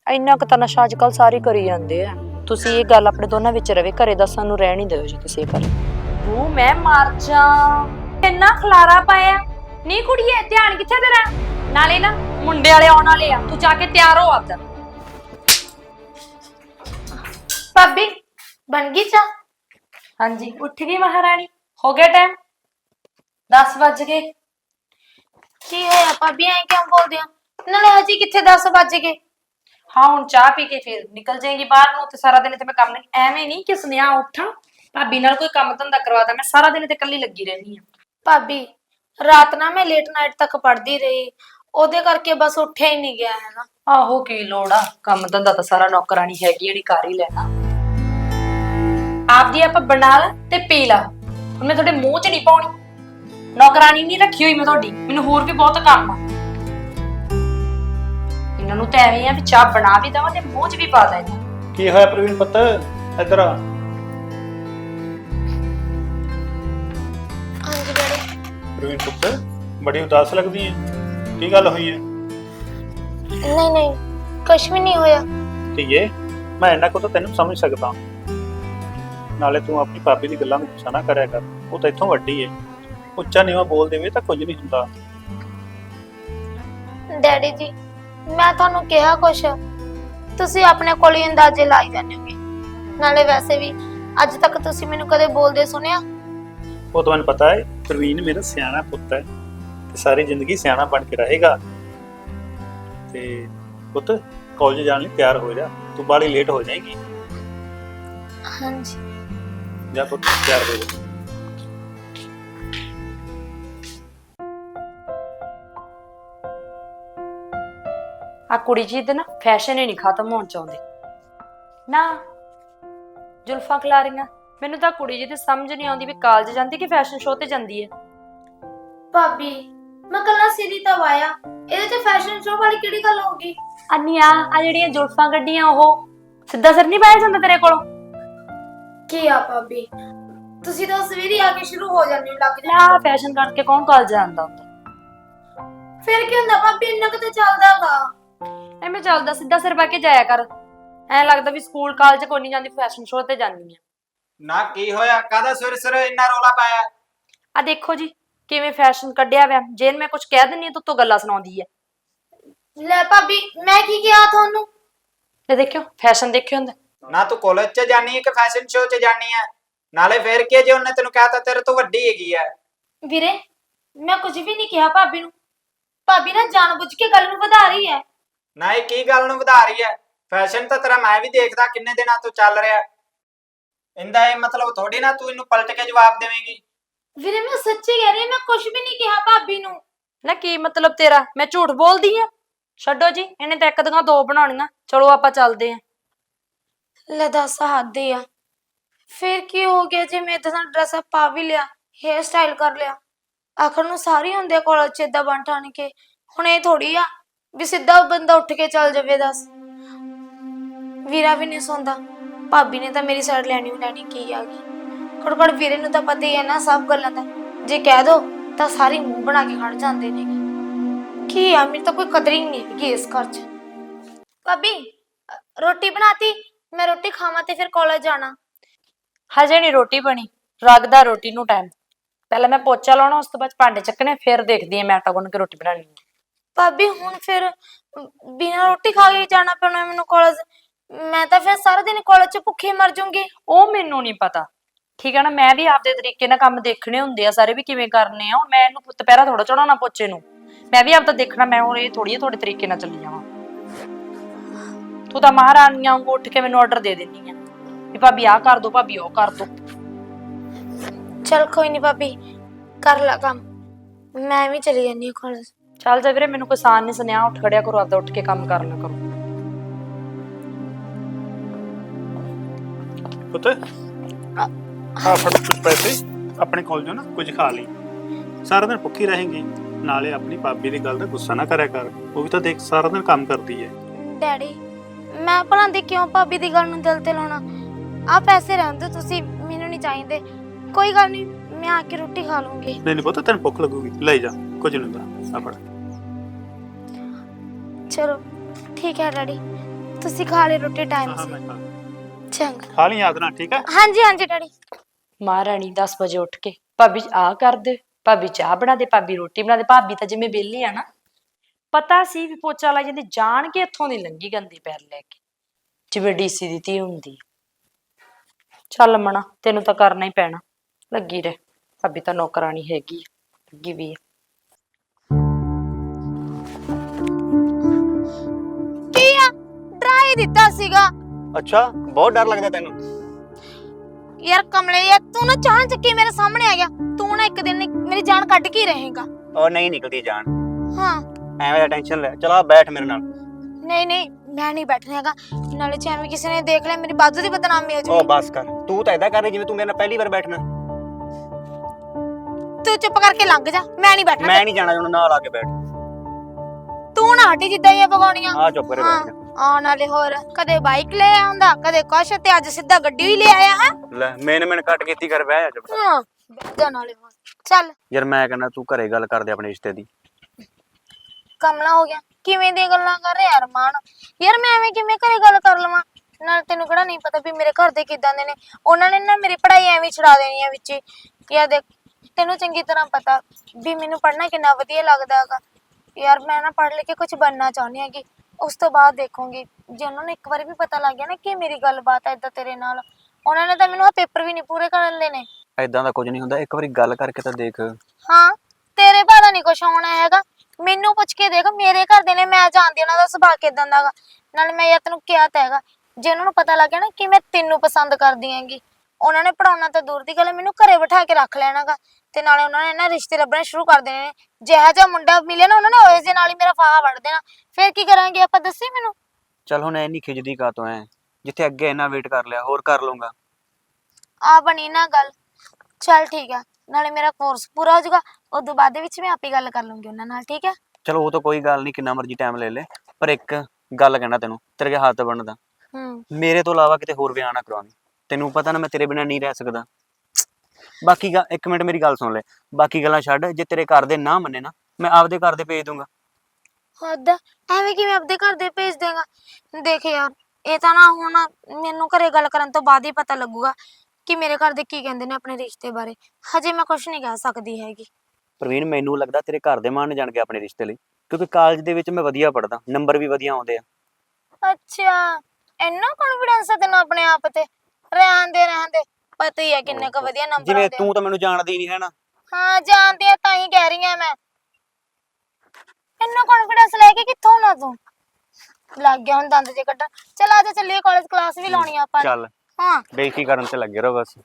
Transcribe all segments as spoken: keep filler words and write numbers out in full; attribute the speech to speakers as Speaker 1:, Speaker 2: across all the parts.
Speaker 1: ਇੰਨਾ ਕੁ ਤਾਂ ਨਸ਼ਾ ਅੱਜ ਕੱਲ ਸਾਰੇ ਕਰੀ ਜਾਂਦੇ ਆ। ਤੁਸੀਂ ਇਹ ਗੱਲ ਆਪਣੇ ਦੋਨਾਂ ਵਿੱਚ ਰਵੇ, ਘਰੇ ਦੱਸਣ ਨੂੰ ਰਹਿਣ ਨਹੀਂ ਦਿਓ ਜੀ ਕਿਸੇ ਪਰ। ਉਹ ਮੈਂ ਮਰ ਜਾ, ਇੰਨਾ ਖਲਾਰਾ ਪਾਇਆ ਨਹੀਂ ਕੁੜੀਏ, ਧਿਆਨ ਕਿੱਥੇ ਤੇਰਾ? ਨਾਲੇ ਨਾ ਮੁੰਡੇ ਵਾਲੇ ਆਉਣ ਵਾਲੇ ਆ, ਤੂੰ ਜਾ ਕੇ ਤਿਆਰ ਹੋ ਆਪਦਾ।
Speaker 2: ਭਾਬੀ ਬਣ ਗਈ ਚਾਹ?
Speaker 1: ਹਾਂਜੀ ਉੱਠ ਗਈ ਮਹਾਰਾਣੀ, ਹੋ ਗਿਆ ਟਾਈਮ, ਦਸ ਵੱਜ ਗਏ।
Speaker 2: ਕੀ ਹੋਇਆ ਭਾਬੀ, ਐਂ ਕਿਉਂ ਬੋਲਦੇ ਆ? ਨਾਲੇ ਹਜੇ ਕਿੱਥੇ ਦਸ ਵੱਜ ਗਏ।
Speaker 1: ਹਾਂ ਹੁਣ ਚਾਹ ਪੀ ਕੇ ਫਿਰ ਨਿਕਲ ਜਾਏਗੀ ਬਾਹਰ ਨੂੰ, ਤੇ ਸਾਰਾ ਦਿਨ ਤੇ ਮੈਂ ਕੰਮ ਨਹੀਂ, ਐਵੇਂ ਨਹੀਂ ਕਿ ਸੁਨੇਹਾ ਉੱਠਾਂ ਭਾਬੀ ਨਾਲ ਕੋਈ ਕੰਮ ਧੰਦਾ ਕਰਵਾਦਾ, ਮੈਂ ਸਾਰਾ ਦਿਨ ਤੇ ਇਕੱਲੀ ਲੱਗੀ ਰਹਿੰਦੀ ਆ।
Speaker 2: ਭਾਬੀ ਰਾਤ ਨਾ ਮੈਂ ਲੇਟ ਨਾਈਟ ਤੱਕ ਪੜ੍ਹਦੀ ਰਹੀ, ਉਹਦੇ ਕਰਕੇ ਬਸ ਉੱਠਿਆ ਹੀ ਨਹੀਂ ਗਿਆ ਹੈਗਾ।
Speaker 1: ਆਹੋ ਕੀ ਲੋੜ ਆ, ਕੰਮ ਧੰਦਾ ਤਾਂ ਸਾਰਾ ਨੌਕਰਾਨੀ ਹੈਗੀ ਜਿਹੜੀ ਕਰ ਹੀ ਲੈਣਾ। ਆਪਦੀ ਆਪਾਂ ਬਣਾ ਲਾ ਤੇ ਪੀ ਲਾ, ਹੁਣ ਮੈਂ ਤੁਹਾਡੇ ਮੂੰਹ 'ਚ ਨਹੀਂ ਪਾਉਣੀ, ਨੌਕਰਾਨੀ ਨਹੀਂ ਰੱਖੀ ਹੋਈ ਮੈਂ ਤੁਹਾਡੀ, ਮੈਨੂੰ ਹੋਰ ਵੀ ਬਹੁਤ ਕੰਮ ਆ। ਇਹਨਾਂ ਨੂੰ ਤਾਂ ਐਵੇਂ ਆ ਵੀ ਚਾਹ ਬਣਾ ਵੀ ਦਵਾਂ ਤੇ ਮੂੰਹ 'ਚ ਵੀ ਪਾ ਦਾਂ।
Speaker 3: ਕੀ ਹੋਇਆ ਪ੍ਰਵੀਨ ਪੁੱਤ, ਇੱਧਰ ਆ।
Speaker 2: ਹਾਂਜੀ ਡੈਡੀ।
Speaker 3: ਪ੍ਰਵੀਨ ਪੁੱਤ ਬੜੀ ਉਦਾਸ ਲੱਗਦੀ ਹੈ, ਕੀ ਗੱਲ ਹੋਈ ਹੈ?
Speaker 2: ਨਹੀਂ ਨਹੀਂ ਕੁਛ ਵੀ ਨਹੀਂ ਹੋਇਆ।
Speaker 3: ਧੀਏ ਮੈਂ ਇਹਨਾਂ ਕੋ ਤਾਂ ਤੈਨੂੰ ਸਮਝ ਸਕਦਾ, ਨਾਲੇ ਤੂੰ ਆਪਣੀ ਭਾਬੀ ਦੀ ਗੱਲਾਂ ਨੂੰ ਗੁੱਸਾ ਨਾ ਕਰਿਆ ਕਰ, ਉਹ ਤਾਂ ਇੱਥੋਂ ਵੱਡੀ ਹੈ, ਉੱਚਾ ਨੀਵਾਂ ਬੋਲ ਦੇਵੇ ਤਾਂ ਕੁਝ ਨਹੀਂ ਹੁੰਦਾ।
Speaker 2: ਡੈਡੀ ਜੀ ਮੈਂ ਤੁਹਾਨੂੰ ਕਿਹਾ ਕੁਛ, ਤੁਸੀਂ ਆਪਣੇ ਕੋਲ ਹੀ ਅੰਦਾਜ਼ੇ ਲਾਈ ਜਾਂਦੇ ਹੋਗੇ। ਨਾਲੇ ਵੈਸੇ ਵੀ ਅੱਜ ਤੱਕ ਤੁਸੀਂ ਮੈਨੂੰ ਕਦੇ ਬੋਲਦੇ ਸੁਣਿਆ?
Speaker 3: ਉਹ ਤਾਂ ਮੈਨੂੰ ਪਤਾ ਹੈ ਪ੍ਰਵੀਨ ਮੇਰਾ ਸਿਆਣਾ ਪੁੱਤ ਹੈ ਤੇ ਸਾਰੀ ਜ਼ਿੰਦਗੀ ਸਿਆਣਾ ਬਣ ਕੇ ਰਹੇਗਾ। ਤੇ ਪੁੱਤ ਕਾਲਜ ਜਾਣ ਲਈ ਤਿਆਰ ਹੋ ਜਾ, ਤੂੰ ਬਾਹਲੀ ਲੇਟ ਹੋ ਜਾਏਗੀ।
Speaker 2: ਹਾਂਜੀ
Speaker 3: ਜਾ ਪੁੱਤ ਤਿਆਰ ਹੋ ਜਾ।
Speaker 1: ਆ ਕੁੜੀ ਜੀ ਦੇ ਨਾ ਫੈਸ਼ਨ ਹੀ ਨਹੀਂ ਖਤਮ ਹੋਣ ਚਾਹੁੰਦੇ ਨਾ, ਜ਼ੁਲਫਾਂ ਖਿਲਾ ਰਹੀਆਂ। ਮੈਨੂੰ ਤਾਂ ਕੁੜੀ ਜੀ ਦੀ ਸਮਝ ਨਹੀਂ ਆਉਂਦੀ ਵੀ ਕਾਲਜ ਜਾਂਦੀ ਕਿ ਫੈਸ਼ਨ ਸ਼ੋਅ ਤੇ ਜਾਂਦੀ ਹੈ।
Speaker 2: ਭਾਬੀ ਮੈਂ ਕੱਲਾ ਸਿਰੀ ਤਾਂ ਵਾਇਆ, ਇਹਦੇ ਤੇ ਫੈਸ਼ਨ ਸ਼ੋਅ ਵਾਲੀ ਕਿਹੜੀ ਗੱਲ ਹੋਗੀ?
Speaker 1: ਅੰਨੀਆਂ ਆ ਜਿਹੜੀਆਂ ਜ਼ੁਲਫਾਂ ਗੱਡੀਆਂ ਉਹ ਸਿੱਧਾ ਸਿਰ ਨਹੀਂ ਪਾਇਆ ਜਾਂਦਾ ਤੇਰੇ ਕੋਲੋਂ?
Speaker 2: ਕੀ ਆ ਭਾਬੀ, ਤੁਸੀਂ ਤਾਂ ਸਵੇਰੇ ਆ ਕੇ ਸ਼ੁਰੂ ਹੋ ਜਾਂਦੇ ਹੋ ਲੱਗ
Speaker 1: ਨਾ
Speaker 2: ਜਾਂਦੇ।
Speaker 1: ਫੈਸ਼ਨ ਕਰਕੇ ਕੌਣ ਕਾਲਜ ਜਾਂਦਾ ਹੁੰਦਾ?
Speaker 2: ਫਿਰ ਕੀ ਹੁੰਦਾ ਭਾਬੀ, ਇੰਨਾ ਕਿਤੇ ਚੱਲਦਾਗਾ।
Speaker 1: ਐਵੇਂ ਚੱਲਦਾ, ਸਿੱਧਾ ਸਿਰ ਪਾ ਕੇ ਜਾਇਆ ਕਰ, ਐ ਲੱਗਦਾ ਵੀ ਸਕੂਲ ਕਾਲਜ ਕੋਈ ਨਹੀਂ ਜਾਂਦੀ, ਫੈਸ਼ਨ ਸ਼ੋਅ ਤੇ ਜਾਂਦੀ ਆ।
Speaker 4: ਨਾ ਕੀ ਹੋਇਆ, ਕਾਹਦਾ ਸਵੇਰੇ ਸਵੇਰੇ ਇੰਨਾ ਰੌਲਾ ਪਾਇਆ?
Speaker 1: ਆ ਦੇਖੋ ਜੀ ਕਿਵੇਂ ਫੈਸ਼ਨ ਕੱਢਿਆ ਵਿਆ, ਜੇ ਮੈਂ ਕੁਝ ਕਹਿ ਦਿੰਨੀ ਆ ਤਾਂ ਤੂੰ ਗੱਲਾਂ ਸੁਣਾਉਂਦੀ ਆ।
Speaker 2: ਲੈ ਭਾਬੀ ਮੈਂ ਕੀ ਕਿਹਾ ਤੁਹਾਨੂੰ?
Speaker 1: ਤੇ ਦੇਖਿਓ ਫੈਸ਼ਨ ਦੇਖਿਓ ਹੁੰਦਾ।
Speaker 4: ਨਾ ਤੂੰ ਕਾਲਜ 'ਚ ਜਾਣੀ ਹੈ ਕਿ ਫੈਸ਼ਨ ਸ਼ੋਅ 'ਚ ਜਾਣੀ ਹੈ? ਨਾਲੇ ਫੇਰ ਕੀ ਜੇ ਉਹਨੇ ਤੈਨੂੰ ਕਹਿਤਾ ਤੇਰੇ ਤੋਂ ਵੱਡੀ ਹੈਗੀ ਹੈ?
Speaker 2: ਵੀਰੇ ਮੈਂ ਕੁਝ ਵੀ ਨਹੀਂ ਕਿਹਾ ਭਾਬੀ ਨੂੰ, ਭਾਬੀ ਨਾ ਜਾਣਬੁੱਝ ਕੇ ਗੱਲ ਨੂੰ ਵਧਾ ਰਹੀ ਹੈ।
Speaker 4: ਨਾ ਇਹ ਕੀ ਗੱਲ ਨੂੰ ਵਧਾ ਰਹੀ ਹੈ? ਫੈਸ਼ਨ ਤਾਂ ਤੇਰਾ ਮੈਂ ਵੀ ਦੇਖਦਾ ਕਿੰਨੇ ਦਿਨਾਂ ਤੋਂ ਚੱਲ ਰਿਹਾ, ਇਹਦਾ ਇਹ ਮਤਲਬ ਥੋੜੀ ਨਾ ਤੂੰ ਇਹਨੂੰ ਪਲਟ ਕੇ ਜਵਾਬ ਦੇਵੇਂਗੀ।
Speaker 2: ਵੀਰੇ ਮੈਂ ਸੱਚੀ ਕਹਿ ਰਹੀ ਹਾਂ, ਮੈਂ ਕੁਝ ਵੀ ਨਹੀਂ ਕਿਹਾ ਭਾਬੀ ਨੂੰ।
Speaker 1: ਨਾ ਕੀ ਮਤਲਬ ਤੇਰਾ, ਮੈਂ ਝੂਠ ਬੋਲਦੀ ਆ? ਛੱਡੋ ਜੀ, ਇਹਨੇ ਤਾਂ ਇੱਕ ਦੀਆਂ ਦੋ ਬਣਾਉਣੀਆਂ, ਚਲੋ ਆਪਾਂ ਚੱਲਦੇ ਆਂ।
Speaker 2: ਲੈ ਦੱਸ ਹੱਦ ਹੀ ਆ, ਫਿਰ ਕੀ ਹੋ ਗਿਆ ਜੇ ਮੈਂ ਇਦਾਂ ਦਾ ਡਰੈਸ ਪਾ ਵੀ ਲਿਆ, ਹੇਅਰ ਸਟਾਈਲ ਕਰ ਲਿਆ, ਆਖਰ ਨੂੰ ਸਾਰੇ ਹੁੰਦੇ ਆ ਕਾਲਜ 'ਚ ਇਦਾਂ ਬਣ ਠਾਣ ਕੇ। ਹੁਣ ਇਹ ਥੋੜੀ ਆ ਵੀ ਸਿੱਧਾ ਬੰਦਾ ਉੱਠ ਕੇ ਚੱਲ ਜਾਵੇ। ਦੱਸ ਵੀਰਾ ਵੀ ਨਹੀਂ ਸੌਂਦਾ, ਭਾਬੀ ਨੇ ਤਾਂ ਮੇਰੀ ਸਾਈਡ ਲੈਣੀ ਵੀ ਲੈਣੀ, ਕੀ ਆ ਗਈ ਖੜਪੜ। ਵੀਰੇ ਨੂੰ ਤਾਂ ਪਤਾ ਹੀ ਹੈ ਨਾ ਸਭ ਗੱਲਾਂ ਦਾ, ਜੇ ਕਹਿ ਦੋ ਤਾਂ ਸਾਰੇ ਮੂੰਹ ਬਣਾ ਕੇ ਖੜ ਜਾਂਦੇ ਨੇ। ਕੀ ਆ, ਮੇਰੀ ਤਾਂ ਕੋਈ ਕਦਰ ਹੀ ਨਹੀਂ ਹੈਗੀ ਇਸ ਘਰ 'ਚ। ਭਾਬੀ ਰੋਟੀ ਬਣਾਤੀ, ਮੈਂ ਰੋਟੀ ਖਾਵਾਂ ਤੇ ਫਿਰ ਕਾਲਜ ਜਾਣਾ।
Speaker 1: ਹਜੇ ਨਹੀਂ ਰੋਟੀ ਬਣੀ, ਰੱਖਦਾ ਰੋਟੀ ਨੂੰ ਟਾਈਮ, ਪਹਿਲਾਂ ਮੈਂ ਪੋਚਾ ਲਾਉਣਾ, ਉਸ ਤੋਂ ਬਾਅਦ ਭਾਂਡੇ ਚੱਕਣੇ, ਫਿਰ ਦੇਖਦੀ ਆਂ ਮੈਂ ਆਟਾ ਗੁੰਨ ਕੇ ਰੋਟੀ ਬਣਾਉਣੀ ਹੈ।
Speaker 2: ਭਾਬੀ ਹੁਣ ਫਿਰ ਬਿਨਾਂ ਰੋਟੀ ਖਾ ਕੇ ਜਾਣਾ ਪੈਣਾ ਮੈਨੂੰ ਕਾਲਜ, ਮੈਂ ਤਾਂ ਫਿਰ ਸਾਰਾ ਦਿਨ ਕਾਲਜ 'ਚ ਭੁੱਖੀ ਮਰ ਜਾਊਂਗੀ।
Speaker 1: ਉਹ ਮੈਨੂੰ ਨਹੀਂ ਪਤਾ, ਠੀਕ ਹੈ ਨਾ, ਮੈਂ ਵੀ ਆਪਦੇ ਤਰੀਕੇ ਨਾਲ ਕੰਮ ਦੇਖਣੇ ਹੁੰਦੇ ਆ ਸਾਰੇ, ਵੀ ਕਿਵੇਂ ਕਰਨੇ ਆ। ਹੁਣ ਮੈਂ ਇਹਨੂੰ ਦੁਪਹਿਰਾ ਥੋੜਾ ਚੜਾਉਣਾ ਪੋਚੇ ਨੂੰ, ਮੈਂ ਵੀ ਆਪਦਾ ਦੇਖਣਾ, ਮੈਂ ਹੁਣ ਇਹ ਥੋੜੀ ਤੁਹਾਡੇ ਤਰੀਕੇ ਨਾਲ ਚੱਲੀ ਜਾਵਾਂ। ਤੂੰ ਤਾਂ ਮਹਾਰਾਨੀਆਂ ਵਾਂਗੂ ਉੱਠ ਕੇ ਮੈਨੂੰ ਆਰਡਰ ਦੇ ਦਿੰਦੀ ਆ ਵੀ ਭਾਬੀ ਆਹ ਕਰ ਦੋ, ਭਾਬੀ ਉਹ ਕਰ ਦੋ।
Speaker 2: ਚਲ ਕੋਈ ਨਹੀਂ ਭਾਬੀ, ਕਰ ਲਾ ਕੰਮ, ਮੈਂ ਵੀ ਚਲੀ ਜਾਂਦੀ ਹਾਂ ਕਾਲਜ।
Speaker 1: ਚੱਲ ਜਾ ਵੀਰੇ, ਮੈਨੂੰ ਕੋਈ ਸਾਨ ਨਹੀਂ ਸੁਨੇਹਾ, ਉੱਠ ਖੜਿਆ ਕਰੋ, ਆਪਦਾ ਉੱਠ ਕੇ ਕੰਮ ਕਰ ਲਿਆ ਕਰੋ।
Speaker 3: ਪੁੱਤ ਆ ਫੜ ਕੁਝ ਪੈਸੇ, ਆਪਣੇ ਕਾਲਜੋਂ ਨਾ ਕੁਝ ਖਾ ਲਈ, ਸਾਰਾ ਦਿਨ ਭੁੱਖੀ ਰਹੇਂਗੀ। ਨਾਲੇ ਆਪਣੀ ਭਾਬੀ ਦੀ ਗੱਲ ਦਾ ਗੁੱਸਾ ਨਾ ਕਰਿਆ ਕਰ, ਉਹ ਵੀ ਤਾਂ ਦੇਖ ਸਾਰਾ ਦਿਨ ਕੰਮ ਕਰਦੀ ਹੈ।
Speaker 2: ਡੈਡੀ ਮੈਂ ਭਲਾ ਦੇ ਕਿਉਂ ਭਾਬੀ ਦੀ ਗੱਲ ਨੂੰ ਦਿਲ ਤੇ ਲਾਉਣਾ? ਆ ਪੈਸੇ ਰਹਿਣ ਦਿਓ ਤੁਸੀਂ, ਮੈਨੂੰ ਨਹੀਂ ਚਾਹੀਦੇ। ਕੋਈ ਗੱਲ ਨਹੀਂ, ਮੈਂ ਆ ਕੇ ਰੋਟੀ ਖਾ ਲੂੰਗੀ।
Speaker 3: ਨਹੀਂ ਨਹੀਂ ਪੁੱਤ ਤੈਨੂੰ ਭੁੱਖ ਲੱਗੂਗੀ, ਲੈ ਜਾ, ਕੁਝ ਨਹੀਂ ਹੁੰਦਾ। ਆ ਫੜ।
Speaker 2: ਚਲੋ ਠੀਕ ਹੈ ਡੈਡੀ, ਤੁਸੀਂ ਖਾ ਲਈ ਰੋਟੀ ਟਾਈਮ
Speaker 3: ਹਾਂ
Speaker 2: ਸੀ।
Speaker 3: ਮੈਂ ਖਾ ਲਈ।
Speaker 2: ਚੰਗਾ।
Speaker 3: ਖਾ ਲਈ ਯਾਦ ਨਾਲ, ਠੀਕ ਹੈ।
Speaker 2: ਹਾਂਜੀ ਹਾਂਜੀ ਡੈਡੀ।
Speaker 1: ਮਹਾਰਾਣੀ ਦਸ ਵਜੇ ਉੱਠ ਕੇ ਭਾਬੀ ਆ ਕਰ ਦੇ, ਭਾਬੀ ਚਾਹ ਬਣਾ ਦੇ, ਭਾਬੀ ਰੋਟੀ ਬਣਾ ਦੇ। ਭਾਬੀ ਤਾਂ ਜਿਵੇਂ ਵਿਹਲੀ ਆ ਨਾ, ਪਤਾ ਸੀ ਵੀ ਪੋਚਾ ਲਾ ਜਾਂਦੀ, ਜਾਣ ਕੇ ਇੱਥੋਂ ਦੀ ਲੰਗੀ ਗੰਦੇ ਪੈਰ ਲੈ ਕੇ, ਜਿਵੇਂ ਡੀਸੀ ਦੀ ਧੀ ਹੁੰਦੀ ਆ। ਚੱਲ ਮਣਾ, ਤੈਨੂੰ ਤਾਂ ਕਰਨਾ ਹੀ ਪੈਣਾ, ਲੱਗੀ ਰਹਿ। ਭਾਬੀ ਤਾਂ ਨੌਕਰਾਣੀ ਹੈਗੀ ਆ, ਲੱਗੀ ਵੀ ਆ।
Speaker 2: ਕੀ ਆ, ਡਰਾ ਹੀ ਦਿੱਤਾ ਸੀਗਾ।
Speaker 5: ਅੱਛਾ, ਬਹੁਤ ਡਰ ਲੱਗਦਾ ਤੈਨੂੰ।
Speaker 2: ਯਾਰ ਕਮਲੇ ਯਾਰ, ਤੂੰ ਨਾ ਚਾਹ ਚੱਕੀ ਮੇਰੇ ਸਾਹਮਣੇ ਆ ਗਿਆ। ਤੂੰ ਨਾ ਇੱਕ ਦਿਨ ਮੇਰੀ ਜਾਨ ਕੱਢ ਕੇ ਹੀ ਰਹੇਗਾ।
Speaker 5: ਉਹ ਨਹੀਂ ਨਿਕਲਦੀ ਜਾਨ,
Speaker 2: ਹਾਂ
Speaker 5: ਐਵੇਂ ਦਾ ਟੈਨਸ਼ਨ ਲੈ। ਚਲ ਆ ਬੈਠ ਮੇਰੇ ਨਾਲ।
Speaker 2: ਨਹੀਂ ਨਹੀਂ, ਮੈਂ ਨਹੀਂ ਬੈਠਣਾ ਹੈਗਾ। ਨਾਲੇ ਜੇ ਐਵੇਂ ਕਿਸੇ ਨੇ ਦੇਖ ਲਿਆ, ਮੇਰੀ ਬਾਦੂ ਦੀ ਬਦਨਾਮੀ ਹੋ
Speaker 5: ਉਹ
Speaker 2: ਜਾਊਗੀ।
Speaker 5: ਬਸ ਕਰ, ਤੂੰ ਤਾਂ ਏਦਾਂ ਕਰ ਰਹੀ ਜਿਵੇਂ ਤੂੰ ਮੇਰੇ ਨਾਲ ਪਹਿਲੀ ਵਾਰ ਬੈਠਣਾ।
Speaker 2: ਤੂੰ ਚੁੱਪ ਕਰਕੇ ਲੰਘ ਜਾ, ਮੈਂ ਨਹੀਂ ਬੈਠਣਾ।
Speaker 5: ਮੈਂ ਨਹੀਂ ਜਾਣਾ, ਉਹਨੂੰ ਨਾਲ ਆ ਕੇ ਬੈਠ।
Speaker 2: ਤੂੰ ਨਾ ਹਟੀ ਜਿੱਦਾਂ ਹੀ ਪਕਾਉਣੀਆਂ।
Speaker 5: ਆ ਚੁੱਪ ਕਰੇ ਬੈਠ ਜਾ।
Speaker 2: ਆ ਨਾਲੇ ਹੋਰ ਕਦੇ ਬਾਈਕ ਲੈ ਆਉਂਦਾ, ਕਦੇ ਕੁਛ, ਤੇ ਅੱਜ ਸਿੱਧਾ ਗੱਡੀ ਹੀ ਲੈ ਆਇਆ ਹੈ।
Speaker 5: ਲੈ ਮੇਨ ਮੇਨ ਕੱਟ ਕੀਤੀ ਕਰ, ਬਹਿ ਜਾ ਚੁੱਪ।
Speaker 2: ਹਾਂ ਬਹਿ ਜਾ ਨਾਲੇ ਹੋਰ। ਚੱਲ
Speaker 5: ਯਾਰ ਮੈਂ ਕਹਿੰਦਾ ਤੂੰ ਘਰੇ ਗੱਲ ਕਰਦੇ ਆਪਣੇ ਰਿਸ਼ਤੇ ਦੀ।
Speaker 2: ਕਮਲਾ ਹੋ ਗਿਆ, ਕਿਵੇਂ ਦੀਆਂ ਗੱਲਾਂ ਕਰ ਰਿਹਾ ਅਰਮਾਨ। ਯਾਰ ਮੈਂ ਐਵੇਂ ਕਿਵੇਂ ਘਰੇ ਗੱਲ ਕਰ ਲਵਾਂ। ਨਾਲ ਤੈਨੂੰ ਕਿਹੜਾ ਨਹੀਂ ਪਤਾ ਵੀ ਮੇਰੇ ਘਰ ਦੇ ਕਿਦਾਂ ਦੇ ਨੇ। ਉਹਨਾਂ ਨੇ ਨਾ ਮੇਰੀ ਪੜ੍ਹਾਈ ਐਵੇਂ ਛੁਡਾ ਦੇਣੀ ਆ ਵਿੱਚ। ਯਾਰ ਦੇਖ, ਤੈਨੂੰ ਚੰਗੀ ਤਰ੍ਹਾਂ ਪਤਾ ਵੀ ਮੈਨੂੰ ਪੜ੍ਹਨਾ ਕਿੰਨਾ ਵਧੀਆ ਲੱਗਦਾ ਹੈਗਾ। ਯਾਰ ਮੈਂ ਨਾ ਪੜ੍ਹ ਲਿਖ ਕੇ ਕੁਝ ਬਣਨਾ ਚਾਹੁੰਦੀ ਹੈਗੀ। ਉਸ ਤੋਂ ਬਾਅਦ ਦੇਖੂੰਗੀ, ਜੇ ਉਹਨਾਂ ਨੂੰ ਇੱਕ ਵਾਰੀ ਵੀ ਪਤਾ ਲੱਗ ਗਿਆ ਨਾ ਕਿ ਮੇਰੀ ਗੱਲਬਾਤ ਹੈ ਏਦਾਂ ਤੇਰੇ ਨਾਲ, ਉਹਨਾਂ ਨੇ ਤਾਂ ਮੈਨੂੰ ਆ ਪੇਪਰ ਵੀ ਨਹੀਂ ਪੂਰੇ ਕਰਨ ਦੇਣੇ।
Speaker 5: ਏਦਾਂ ਦਾ ਕੁਝ ਨਹੀਂ ਹੁੰਦਾ, ਇੱਕ ਵਾਰੀ ਗੱਲ ਕਰਕੇ ਤਾਂ ਦੇਖ।
Speaker 2: ਹਾਂ ਤੇਰੇ ਭਾਦਾ ਨਹੀਂ ਕੁਛ ਹੋਣਾ ਹੈਗਾ। ਮੈਨੂੰ ਪੁੱਛ ਕੇ ਦੇਖ, ਮੇਰੇ ਘਰ ਦੇ ਨੇ, ਮੈਂ ਜਾਣਦੀ ਉਹਨਾਂ ਦਾ ਸੁਭਾਅ ਕਿਦਾਂ ਦਾ ਹੈਗਾ। ਨਾਲ ਮੈਂ ਯਾਰ ਤੈਨੂੰ ਕਿਹਾ ਤਾਂ ਹੈਗਾ, ਜੇ ਉਹਨਾਂ ਨੂੰ ਪਤਾ ਲੱਗ ਗਿਆ ਨਾ ਕਿ ਮੈਂ ਤੈਨੂੰ ਪਸੰਦ ਕਰਦੀ ਹੈਗੀ, ਉਹਨਾਂ ਨੇ ਪੜਾਉਣਾ ਤਾਂ ਦੂਰ ਦੀ ਗੱਲ, ਮੈਨੂੰ ਘਰੇ ਬਿਠਾ ਕੇ ਰੱਖ ਲੈਣਾਗਾ। ਤੇ ਨਾਲੇ ਉਹਨਾਂ ਨੇ ਨਾ ਰਿਸ਼ਤੇ ਲੱਭਣੇ ਸ਼ੁਰੂ ਕਰ ਦੇਣੇ ਨੇ। ਜਿਹੋ ਜਿਹਾ ਮੁੰਡਾ ਮਿਲੇ ਨਾ, ਉਹਨਾਂ ਨੇ ਉਹਦੇ ਨਾਲ ਹੀ ਮੇਰਾ ਫਾਹਾ ਵੜ ਦੇਣਾ। ਫੇਰ ਕੀ ਕਰਾਂਗੇ ਆਪਾਂ, ਦੱਸੀ ਮੈਨੂੰ।
Speaker 5: ਚੱਲ ਹੁਣ ਐ ਨਹੀਂ ਖਿਜਦੀ ਕਾਤੋਂ ਐ, ਜਿੱਥੇ ਅੱਗੇ ਇੰਨਾ ਵੇਟ ਕਰ ਲਿਆ, ਹੋਰ ਕਰ ਲੂੰਗਾ।
Speaker 2: ਆ ਬਣੀ ਨਾ ਗੱਲ। ਚੱਲ ਠੀਕ ਆ, ਨਾਲੇ ਮੇਰਾ ਕੋਰਸ ਪੂਰਾ ਹੋ ਜਾਊਗਾ, ਉਦੋਂ ਬਾਅਦ ਦੇ ਵਿੱਚ ਮੈਂ ਆਪੇ ਗੱਲ ਕਰ ਲੂੰਗੀ ਉਹਨਾਂ ਨਾਲ, ਠੀਕ ਹੈ।
Speaker 5: ਚਲੋ ਉਹ ਤਾਂ ਕੋਈ ਗੱਲ ਨਹੀਂ, ਕਿੰਨਾ ਮਰਜ਼ੀ ਟਾਈਮ ਲੈ ਲੈ, ਪਰ ਇੱਕ ਗੱਲ ਕਹਿਣਾ ਤੈਨੂੰ, ਤੇਰੇ ਅੱਗੇ ਹੱਥ ਬਣਦਾ,
Speaker 2: ਹੂੰ
Speaker 5: ਮੇਰੇ ਤੋਂ ਇਲਾਵਾ ਕਿਤੇ ਹੋਰ ਵਿਆਹ ਨਾ ਕਰਵਾਵੀਂ। ਤੈਨੂੰ ਪਤਾ ਨਾ ਮੈਂ ਤੇਰੇ ਬਿਨਾਂ ਨਹੀਂ ਰਹਿ ਸਕਦਾ। ਬਾਕੀ ਗੱਲ, ਇੱਕ ਮਿੰਟ ਮੇਰੀ ਗੱਲ ਸੁਣ ਲੈ, ਬਾਕੀ ਗੱਲਾਂ ਛੱਡ। ਜੇ ਤੇਰੇ ਘਰ ਦੇ ਨਾ ਮੰਨੇ ਨਾ, ਮੈਂ ਆਪਦੇ ਘਰ ਦੇ ਭੇਜ ਦੂੰਗਾ।
Speaker 2: ਹੱਦ, ਐਵੇਂ ਕਿਵੇਂ ਆਪਦੇ ਘਰ ਦੇ ਭੇਜ ਦੇਗਾ। ਦੇਖ ਯਾਰ, ਇਹ ਤਾਂ ਨਾ ਹੁਣ ਮੈਨੂੰ ਘਰੇ ਗੱਲ ਕਰਨ ਤੋਂ ਬਾਅਦ ਹੀ ਪਤਾ ਲੱਗੂਗਾ ਕਿ ਮੇਰੇ ਘਰ ਦੇ ਕੀ ਕਹਿੰਦੇ ਨੇ ਆਪਣੇ ਰਿਸ਼ਤੇ ਬਾਰੇ। ਹਜੇ ਮੈਂ ਕੁਝ ਨਹੀਂ ਕਹਿ ਸਕਦੀ ਹੈਗੀ।
Speaker 5: ਪ੍ਰਵੀਨ, ਮੈਨੂੰ ਲੱਗਦਾ ਤੇਰੇ ਘਰ ਦੇ ਮੰਨ ਜਾਣਗੇ ਆਪਣੇ ਰਿਸ਼ਤੇ ਲਈ, ਕਿਉਂਕਿ ਕਾਲਜ ਦੇ ਵਿੱਚ ਮੈਂ ਵਧੀਆ ਪੜਦਾ, ਨੰਬਰ ਵੀ ਵਧੀਆ ਆਉਂਦੇ ਆ।
Speaker 2: ਅੱਛਾ, ਇੰਨਾ ਕੌਨਫੀਡੈਂਸ ਹੈ ਤੈਨੂੰ ਆਪਣੇ ਆਪ ਤੇ। ਰਹਿਣ ਦੇ ਰਹਿਣ ਦੇ, ਪਤਾ ਹੀ ਹੈ ਕਿੰਨੇ ਕੁ ਵਧੀਆ ਨੰਬਰ
Speaker 5: ਜਿਵੇਂ
Speaker 2: ਆਉਂਦੇ ਆ।
Speaker 5: ਤੂੰ ਤਾਂ ਮੈਨੂੰ ਜਾਣਦੀ ਨਹੀਂ ਹੈ ਨਾ।
Speaker 2: ਹਾਂ ਜਾਣਦੀ ਆ, ਤਾਂ ਹੀ ਕਹਿ ਰਹੀ ਆ ਮੈਂ। ਇੰਨਾ ਕੌਨਫੀਡੈਂਸ ਲੈ ਕੇ ਕਿੱਥੋਂ ਨਾ ਤੂੰ ਲੱਗ ਗਿਆ ਹੁਣ ਦੰਦ ਜੇ ਕੱਢਣ। ਚਲ ਆ ਜਾ ਚੱਲੀਏ ਕਾਲਜ, ਕਲਾਸ ਵੀ ਲਾਉਣੀ ਆ ਆਪਾਂ ਨੇ।
Speaker 5: ਚੱਲ
Speaker 2: ਹਾਂ
Speaker 5: ਬੇਇੱਜ਼ਤੀ ਕਰਨ ਤੇ ਲੱਗੇ ਰਹੋ ਬਸ।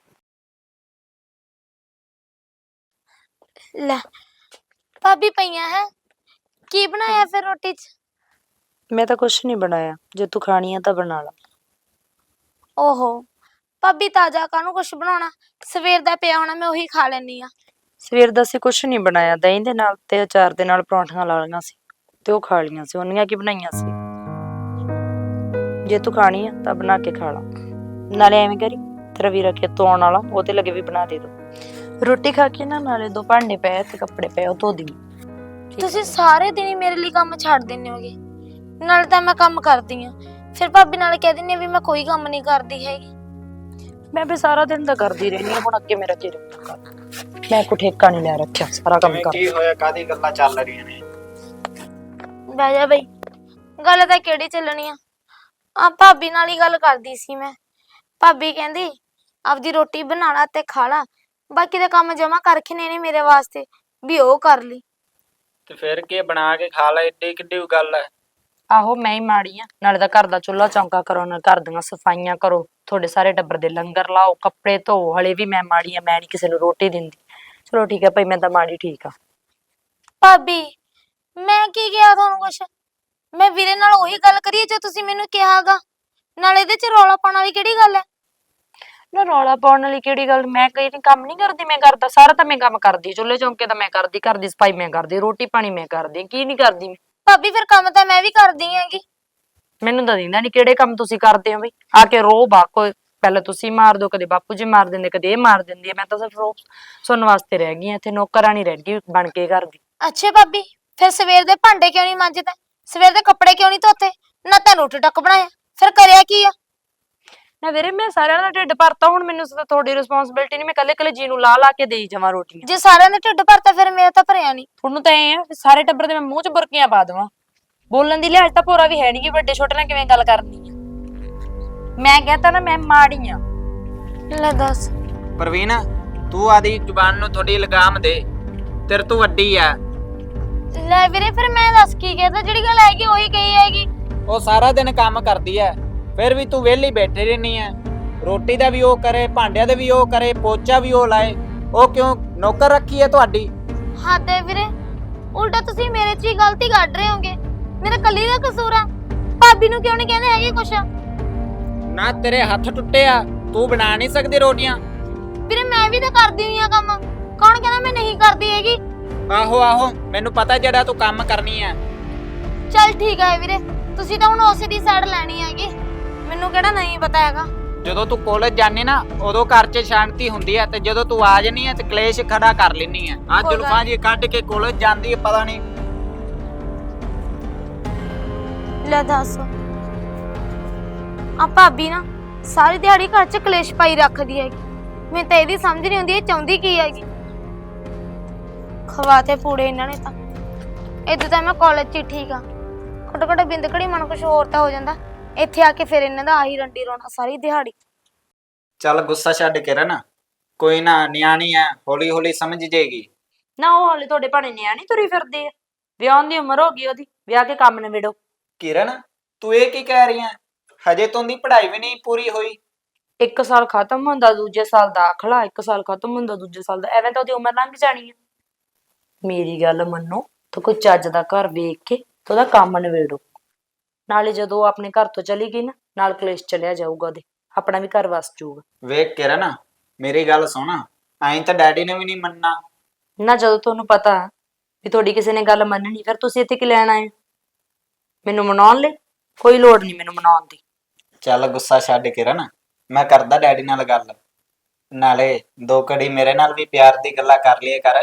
Speaker 2: ਲੈ ਭਾਬੀ ਪਈਆਂ ਹੈ, ਕੀ ਬਣਾਇਆ ਫਿਰ ਰੋਟੀ 'ਚ?
Speaker 1: ਮੈਂ ਤਾਂ ਕੁਛ ਨਹੀਂ ਬਣਾਇਆ, ਜੇ ਤੂੰ ਖਾਣੀ ਆ ਤਾਂ ਬਣਾ ਲਾ।
Speaker 2: ਓਹੋ ਭਾਬੀ, ਤਾਜ਼ਾ ਕਾਹਨੂੰ ਕੁਛ ਬਣਾਉਣਾ, ਸਵੇਰ ਦਾ ਪਿਆ ਹੋਣਾ, ਮੈਂ ਉਹੀ ਖਾ ਲੈਣੀ ਆ।
Speaker 1: ਸਵੇਰ ਦਾ ਅਸੀਂ ਕੁਛ ਨਹੀਂ ਬਣਾਇਆ, ਦਹੀਂ ਦੇ ਨਾਲ ਤੇ ਅਚਾਰ ਦੇ ਨਾਲ ਪਰੌਂਠੀਆਂ ਲਾ ਲਈਆਂ ਸੀ ਤੇ ਉਹ ਖਾ ਲਈਆਂ ਸੀ। ਉਹਨੀਆਂ ਕੀ ਬਣਾਈਆਂ ਸੀ। ਜੇ ਤੂੰ ਖਾਣੀ ਆ ਤਾਂ ਬਣਾ ਕੇ ਖਾ ਲਾ। ਨਾਲੇ ਐਵੇਂ ਕਰੀ, ਤੇਰਾ ਵੀਰਾ ਖੇਤੋਂ ਆਉਣ ਵਾਲਾ, ਉਹਦੇ ਲੱਗੇ ਵੀ ਬਣਾ ਦੇ ਦੋ। ਰੋਟੀ ਖਾ ਕੇ ਨਾ ਨਾਲੇ ਦੋ ਭਾਂਡੇ ਪਏ ਤੇ ਕੱਪੜੇ ਪਏ, ਉਹ ਧੋ ਦੀ।
Speaker 2: ਤੁਸੀਂ ਸਾਰੇ ਦਿਨ ਹੀ ਮੇਰੇ ਲਈ ਕੰਮ ਛੱਡ ਦਿੰਦੇ ਹੋਗੇ। ਨਾਲ ਤਾਂ ਮੈਂ ਕੰਮ ਕਰਦੀ ਆ, ਫਿਰ ਭਾਬੀ ਨਾਲ ਕਹਿ ਦਿੰਦੀ ਆ ਵੀ ਮੈਂ ਕੋਈ ਕੰਮ ਨਹੀਂ ਕਰਦੀ ਹੈਗੀ।
Speaker 1: ਮੈਂ ਵੀ ਸਾਰਾ ਦਿਨ ਤਾਂ ਕਰਦੀ ਰਹਿੰਦੀ ਹਾਂ, ਹੁਣ ਅੱਗੇ ਮੇਰਾ ਕੀ ਰਹੂਗਾ। ਮੈਂ ਕੋ ਠੇਕਾ ਨਹੀਂ ਲੈ ਰੱਖਿਆ, ਸਾਰਾ ਕੰਮ ਕਰ।
Speaker 4: ਕੀ ਹੋਇਆ, ਕਾਦੀ ਗੱਲਾਂ ਚੱਲ ਰਹੀਆਂ ਨੇ?
Speaker 2: ਬਹਿ ਜਾ ਬਈ, ਗੱਲ ਤਾਂ ਕਿਹੜੀ ਚੱਲਣੀ ਆ। ਆ ਭਾਬੀ ਨਾਲ ਹੀ ਗੱਲ ਕਰਦੀ ਸੀ ਮੈਂ। ਭਾਬੀ ਕਹਿੰਦੀ ਆਪਦੀ ਰੋਟੀ ਬਣਾ ਲਾ ਤੇ ਖਾ ਲਾ, ਬਾਕੀ ਦੇ ਕੰਮ ਜਮਾ ਕਰਕੇ ਨੇ ਮੇਰੇ ਵਾਸਤੇ ਵੀ ਉਹ ਕਰ ਲਈ।
Speaker 4: ਤੇ ਫਿਰ ਕੀ ਬਣਾ ਕੇ ਖਾ ਲੈ, ਏਡੀ ਕਿੱਡੀ ਗੱਲ ਹੈ।
Speaker 1: ਆਹੋ ਮੈਂ ਹੀ ਮਾੜੀ ਆ, ਨਾਲੇ ਤਾਂ ਘਰ ਦਾ ਚੁੱਲ੍ਹਾ ਚੌਂਕਾ ਕਰੋ, ਨਾਲ ਘਰ ਦੀਆਂ ਸਫਾਈਆਂ ਕਰੋ, ਤੁਹਾਡੇ ਸਾਰੇ ਟੱਬਰ ਦੇ ਲੰਗਰ ਲਾਓ, ਕੱਪੜੇ ਧੋ। ਹਲੇ ਵੀ ਮੈਂ ਮਾੜੀ ਆ, ਮੈਂ ਨਹੀਂ ਕਿਸੇ ਨੂੰ ਰੋਟੀ ਦਿੰਦੀ। ਚਲੋ ਠੀਕ ਆ ਭਾਈ, ਮੈਂ ਤਾਂ ਮਾੜੀ ਠੀਕ ਆ।
Speaker 2: ਭਾਬੀ ਮੈਂ ਕੀ ਕਿਹਾ ਤੁਹਾਨੂੰ ਕੁਛ? ਮੈਂ ਵੀਰੇ ਨਾਲ ਉਹੀ ਗੱਲ ਕਰੀ ਜੋ ਤੁਸੀਂ ਮੈਨੂੰ ਕਿਹਾਗਾ। ਨਾਲ ਇਹਦੇ ਚ ਰੌਲਾ ਪਾਉਣ ਵਾਲੀ ਕਿਹੜੀ ਗੱਲ ਹੈ?
Speaker 1: ਨਾ ਰੌਲਾ ਪਾਉਣ ਵਾਲੀ ਕਿਹੜੀ ਗੱਲ, ਮੈਂ ਕੋਈ ਕੰਮ ਨਹੀਂ ਕਰਦੀ, ਮੈਂ ਕਰਦਾ ਸਾਰਾ ਤਾਂ ਮੈਂ ਕੰਮ ਕਰਦੀ, ਚੁੱਲ੍ਹੇ ਚੌਂਕੇ ਤਾਂ ਮੈਂ ਕਰਦੀ, ਘਰ ਦੀ ਸਫਾਈ ਮੈਂ ਕਰਦੀ, ਰੋਟੀ ਪਾਣੀ ਮੈਂ ਕਰਦੀ, ਕੀ ਨਹੀਂ ਕਰਦੀ ਮੈਂ?
Speaker 2: ਭਾਬੀ ਫਿਰ ਕੰਮ ਤਾਂ ਮੈਂ ਵੀ ਕਰਦੀ ਹੈਗੀ।
Speaker 1: ਮੈਨੂੰ ਤਾਂ ਦਿੰਦਾ ਨਹੀਂ ਕਿਹੜੇ ਕੰਮ ਤੁਸੀਂ ਕਰਦੇ ਹੋ ਬਈ। ਆ ਕੇ ਰੋ ਬਾਕੋ, ਪਹਿਲਾਂ ਤੁਸੀਂ ਮਾਰ ਦੋ, ਕਦੇ ਬਾਪੂ ਜੀ ਮਾਰ ਦਿੰਦੇ, ਕਦੇ ਇਹ ਮਾਰ ਦਿੰਦੀ ਹੈ। ਮੈਂ ਤਾਂ ਸਿਰਫ ਰੋ ਸੁਣਨ ਵਾਸਤੇ ਰਹਿ ਗਈ, ਇੱਥੇ ਨੌਕਰਾਨੀ ਰਹਿ ਗਈ ਬਣ ਕੇ ਘਰ ਦੀ।
Speaker 2: ਅੱਛਾ ਭਾਬੀ, ਫਿਰ ਸਵੇਰ ਦੇ ਭਾਂਡੇ ਕਿਉਂ ਨਹੀਂ ਮਾਂਜਦੇ? ਸਵੇਰ ਦੇ ਕੱਪੜੇ ਕਿਉਂ ਨਹੀਂ ਧੋਤੇ? ਨਾ ਤਾਂ ਰੋਟੀ ਟੱਕ ਬਣਾਇਆ, ਫਿਰ ਕਰਿਆ ਕੀ ਆ?
Speaker 1: ਨਾ ਵੀਰੇ ਮੈਂ ਸਾਰਿਆਂ ਦਾ ਢਿੱਡ ਭਰਤਾ, ਹੁਣ ਮੈਨੂੰ ਤਾਂ ਤੁਹਾਡੀ ਰਿਸਪੌਂਸਿਬਿਲਟੀ ਨਹੀਂ, ਮੈਂ ਕੱਲੇ ਕੱਲੇ ਜੀ ਨੂੰ ਲਾ ਲਾ ਕੇ ਦੇਈ ਜਾਵਾਂ ਰੋਟੀਆਂ।
Speaker 2: ਜੇ ਸਾਰਿਆਂ ਦਾ ਢਿੱਡ ਭਰਤਾ ਫਿਰ ਮੇਰਾ ਤਾਂ ਭਰਿਆ ਨਹੀਂ।
Speaker 1: ਤੁਹਾਨੂੰ ਤਾਂ ਐ ਆ ਵੀ ਸਾਰੇ ਟੱਬਰ ਦੇ ਮੈਂ ਮੂੰਹ 'ਚ ਬੁਰਕੀਆਂ ਪਾ ਦੇਵਾਂ। ਬੋਲਣ ਦੀ ਲਿਹਾਜ਼ ਤਾਂ ਭੋਰਾ ਵੀ ਹੈ ਨਹੀਂ ਕਿ ਵੱਡੇ ਛੋਟੇ ਨਾਲ ਕਿਵੇਂ ਗੱਲ ਕਰਨੀ ਆ। ਮੈਂ ਕਹਤਾ ਨਾ ਮੈਂ ਮਾੜੀ ਆ।
Speaker 2: ਲੈ ਦੱਸ।
Speaker 4: ਪ੍ਰਵੀਨ, ਤੂੰ ਆਦੀ ਜ਼ੁਬਾਨ ਨੂੰ ਥੋੜੀ ਲਗਾਮ ਦੇ, ਤੇਰੇ ਤੋਂ ਵੱਡੀ ਆ।
Speaker 2: ਲੈ ਵੀਰੇ ਫਿਰ ਮੈਂ ਦੱਸ ਕੀ ਕਹਤਾ, ਜਿਹੜੀ ਗੱਲ ਹੈਗੀ ਉਹੀ ਕਹੀ ਹੈਗੀ।
Speaker 4: ਉਹ ਸਾਰਾ ਦਿਨ ਕੰਮ ਕਰਦੀ ਐ, ਫਿਰ ਵੀ ਤੂੰ ਵਿਹਲੀ ਬੈਠੀ ਰਹਿਨੀ ਐ। ਰੋਟੀ ਦਾ ਵੀ ਉਹ ਕਰੇ, ਭਾਂਡਿਆਂ ਦਾ ਵੀ ਉਹ ਕਰੇ, ਪੋਚਾ ਵੀ ਉਹ ਲਾਏ। ਉਹ ਕਿਉਂ ਨੌਕਰ ਰੱਖੀ ਐ ਤੁਹਾਡੀ?
Speaker 2: ਹੱਦ ਹੈ ਵੀਰੇ, ਉਲਟਾ ਤੁਸੀਂ ਮੇਰੇ 'ਚ ਹੀ ਗਲਤੀ ਕੱਢ ਰਹੇ ਹੋਗੇ। ਮੇਰਾ ਕੱਲੀ ਦਾ ਕਸੂਰ ਆ, ਭਾਬੀ ਨੂੰ ਕਿਉਂ ਨਹੀਂ ਕਹਿੰਦੇ ਹੈਗੇ ਕੁਛ?
Speaker 4: ਨਾ ਤੇਰੇ ਹੱਥ ਟੁੱਟੇ ਆ, ਤੂੰ ਬਣਾ ਨਹੀਂ ਸਕਦੀ ਰੋਟੀਆਂ?
Speaker 2: ਵੀਰੇ ਮੈਂ ਵੀ ਤਾਂ ਕਰਦੀ ਹੋਈ ਆ ਕੰਮ, ਕੌਣ ਕਹਿੰਦਾ ਮੈਂ ਨਹੀਂ ਕਰਦੀ ਹੈਗੀ?
Speaker 4: ਆਹੋ ਆਹੋ, ਮੈਨੂੰ ਪਤਾ ਜਿਹੜਾ ਤੂੰ ਕੰਮ ਕਰਨੀ ਐ।
Speaker 2: ਚੱਲ ਠੀਕ ਹੈ ਵੀਰੇ, ਤੁਸੀਂ ਤਾਂ ਹੁਣ ਉਸੇ ਦੀ ਸਾਈਡ ਲੈਣੀ ਹੈਗੀ, ਮੈਨੂੰ ਕਿਹੜਾ ਨਹੀਂ ਪਤਾ ਹੈਗਾ।
Speaker 4: ਜਦੋਂ ਤੂੰ ਕਾਲਜ ਜਾਂਦੀ ਨਾ ਉਦੋਂ ਘਰ 'ਚ ਸ਼ਾਂਤੀ ਹੁੰਦੀ ਐ, ਤੇ ਜਦੋਂ ਤੂੰ ਆ ਜਾਨੀ ਐ ਤੇ ਕਲੇਸ਼ ਖੜਾ ਕਰ ਲੈਨੀ ਐ। ਆ
Speaker 2: ਕੋਈ
Speaker 4: ਜੁਲਫਾਂ ਜੀ ਕੱਢ ਕੇ ਕਾਲਜ ਜਾਂਦੀ ਐ, ਪਤਾ ਨਹੀਂ।
Speaker 2: ਲੈ ਦੱਸ, ਆ ਭਾਬੀ ਨਾ ਸਾਰੀ ਦਿਹਾੜੀ ਘਰ 'ਚ ਕਲੇਸ਼ ਪਾਈ ਰੱਖਦੀ ਹੈਗੀ। ਮੈਨੂੰ ਤਾਂ ਇਹਦੀ ਸਮਝ ਨਹੀਂ ਆਉਂਦੀ ਇਹ ਚਾਹੁੰਦੀ ਕੀ ਹੈਗੀ। ਖਵਾਤੇ ਪੂੜੇ ਇਹਨਾਂ ਨੇ ਤਾਂ। ਇਦੋਂ ਤਾਂ ਮੈਂ ਕਾਲਜ 'ਚ ਹੀ ਠੀਕ ਆ, ਘੱਟੋ ਘੱਟ ਬਿੰਦ ਘੜੀ ਮਨ ਕੁਛ ਹੋਰ ਤਾਂ ਹੋ ਜਾਂਦਾ। ਇੱਥੇ ਆ ਕੇ ਫਿਰ ਇਹਨਾਂ ਦਾ ਆਹੀ ਰੰਡੀ ਰੋਣਾ ਸਾਰੀ ਦਿਹਾੜੀ।
Speaker 4: ਚੱਲ ਗੁੱਸਾ ਛੱਡ ਕੇ ਰਹਿਣਾ, ਕੋਈ ਨਾ, ਨਿਆਣੀ ਐ, ਹੌਲੀ ਹੌਲੀ ਸਮਝ ਜੇਗੀ।
Speaker 1: ਨਾ ਉਹ ਹਾਲੇ ਤੁਹਾਡੇ ਭਾਣੇ ਨਿਆਣੀ ਤੁਰੀ ਫਿਰਦੀ ਆ, ਵਿਆਹ ਦੀ ਉਮਰ ਹੋ ਗਈ ਉਹਦੀ, ਵਿਆਹ ਕੇ ਕੰਮ ਨਿਬੇੜੋ।
Speaker 4: ਕਿਰਨ, ਤੂੰ ਇਹ ਕੀ ਕਹਿ ਰਹੀ ਐ? ਹਜੇ ਤੋਂ ਦੀ ਪੜ੍ਹਾਈ ਵੀ ਨਹੀਂ ਪੂਰੀ ਹੋਈ।
Speaker 1: ਇੱਕ ਸਾਲ ਖਤਮ ਹੁੰਦਾ ਦੂਜੇ ਸਾਲ ਦਾਖਲਾ, ਇੱਕ ਸਾਲ ਖਤਮ ਹੁੰਦਾ ਦੂਜੇ ਸਾਲ ਦਾ, ਐਵੇਂ ਤਾਂ ਉਹਦੀ ਉਮਰ ਲੰਘ ਜਾਣੀ ਆ। ਮੇਰੀ ਗੱਲ ਮੰਨੋ ਤਾਂ ਕੋਈ ਚੱਜ ਦਾ ਘਰ ਵੇਖ ਕੇ ਤੇ ਉਹਦਾ ਕੰਮ ਨਿਬੇੜੋ। ਨਾਲੇ ਜਦੋਂ ਉਹ ਆਪਣੇ ਘਰ ਤੋਂ ਚਲੀ ਗਈ ਨਾ, ਨਾਲ ਕਲੇਸ਼ ਚਲਿਆ ਜਾਊਗਾ ਉਹਦੇ, ਆਪਣਾ ਵੀ ਘਰ ਵਸ ਜਾਊਗਾ।
Speaker 4: ਵੇਖ ਕਿਰਨ, ਮੇਰੀ ਗੱਲ ਸੁਣ, ਐਂ ਤਾਂ ਡੈਡੀ ਨੇ ਵੀ ਨਹੀਂ ਮੰਨਣਾ।
Speaker 1: ਨਾ ਜਦੋਂ ਤੁਹਾਨੂੰ ਪਤਾ ਵੀ ਤੁਹਾਡੀ ਕਿਸੇ ਨੇ ਗੱਲ ਮੰਨਣੀ, ਫਿਰ ਤੁਸੀਂ ਇੱਥੇ ਕੀ ਲੈਣ ਆਏ? ਮੈਨੂੰ ਮਨਾਉਣ ਲਈ? ਕੋਈ ਲੋੜ ਨਹੀਂ ਮੈਨੂੰ ਮਨਾਉਣ ਦੀ।
Speaker 4: ਚੱਲ ਗੁੱਸਾ ਛੱਡ ਕਿਰਨ, ਮੈਂ ਕਰਦਾ ਡੈਡੀ ਨਾਲ ਗੱਲ, ਨਾਲੇ ਦੋ ਘੜੀ ਮੇਰੇ ਨਾਲ ਵੀ ਪਿਆਰ ਦੀ ਗੱਲਾਂ ਕਰ ਲਈਏ ਕਰ।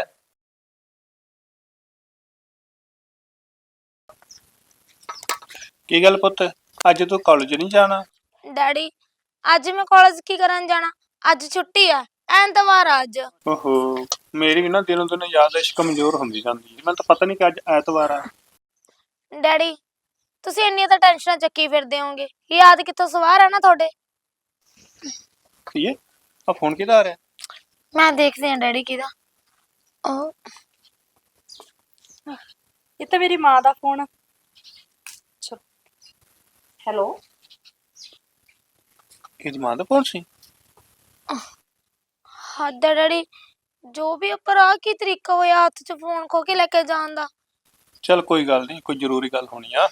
Speaker 3: ਕੀ ਗੱਲ ਪੁੱਤ, ਅੱਜ ਤੂੰ ਕਾਲਜ ਨਹੀਂ ਜਾਣਾ?
Speaker 2: ਡੈਡੀ ਅੱਜ ਮੈਂ ਕਾਲਜ ਕੀ ਕਰਨ ਜਾਣਾ, ਅੱਜ ਛੁੱਟੀ ਆ, ਐਤਵਾਰ ਆ ਅੱਜ।
Speaker 3: ਓਹੋ, ਮੇਰੀ ਵੀ ਨਾ ਦਿਨੋਂ ਦਿਨ ਯਾਦਦਾਸ਼ਤ ਕਮਜ਼ੋਰ ਹੁੰਦੀ ਜਾਂਦੀ ਹੈ। ਮੈਨੂੰ ਤਾਂ ਪਤਾ ਨਹੀਂ ਕਿ ਅੱਜ ਐਤਵਾਰ ਆ।
Speaker 2: ਡੈਡੀ ਤੁਸੀਂ ਇੰਨੀਆਂ ਤਾਂ ਟੈਨਸ਼ਨਾਂ ਚੱਕੀ ਫਿਰਦੇ ਹੋਗੇ, ਯਾਦ ਕਿੱਥੋਂ ਸਵਾਰ ਆ ਨਾ ਤੁਹਾਡੇ।
Speaker 3: ਕੀ ਹੈ ਆ ਫੋਨ ਕਿਹਦਾ ਆ ਰਿਹਾ?
Speaker 2: ਮੈਂ ਦੇਖਦੀ ਹਾਂ ਡੈਡੀ ਕਿਹਦਾ। ਉਹ
Speaker 1: ਇਹ ਤਾਂ ਮੇਰੀ ਮਾਂ ਦਾ ਫੋਨ ਆ। ਹੈਲੋ,
Speaker 3: ਇਹਦੀ ਮਾਂ ਦਾ ਫੋਨ ਸੀ?
Speaker 2: ਹੱਦ ਹੈ ਡੈਡੀ, ਜੋ ਵੀ ਉੱਪਰ ਆ ਕੀ ਤਰੀਕਾ ਹੋਇਆ ਹੱਥ 'ਚ ਫੋਨ ਖੋ ਕੇ ਲੈ ਕੇ ਜਾਣ ਦਾ।
Speaker 3: ਚੱਲ ਕੋਈ ਗੱਲ ਨਹੀਂ, ਕੋਈ ਜ਼ਰੂਰੀ ਗੱਲ ਹੋਣੀ ਆ।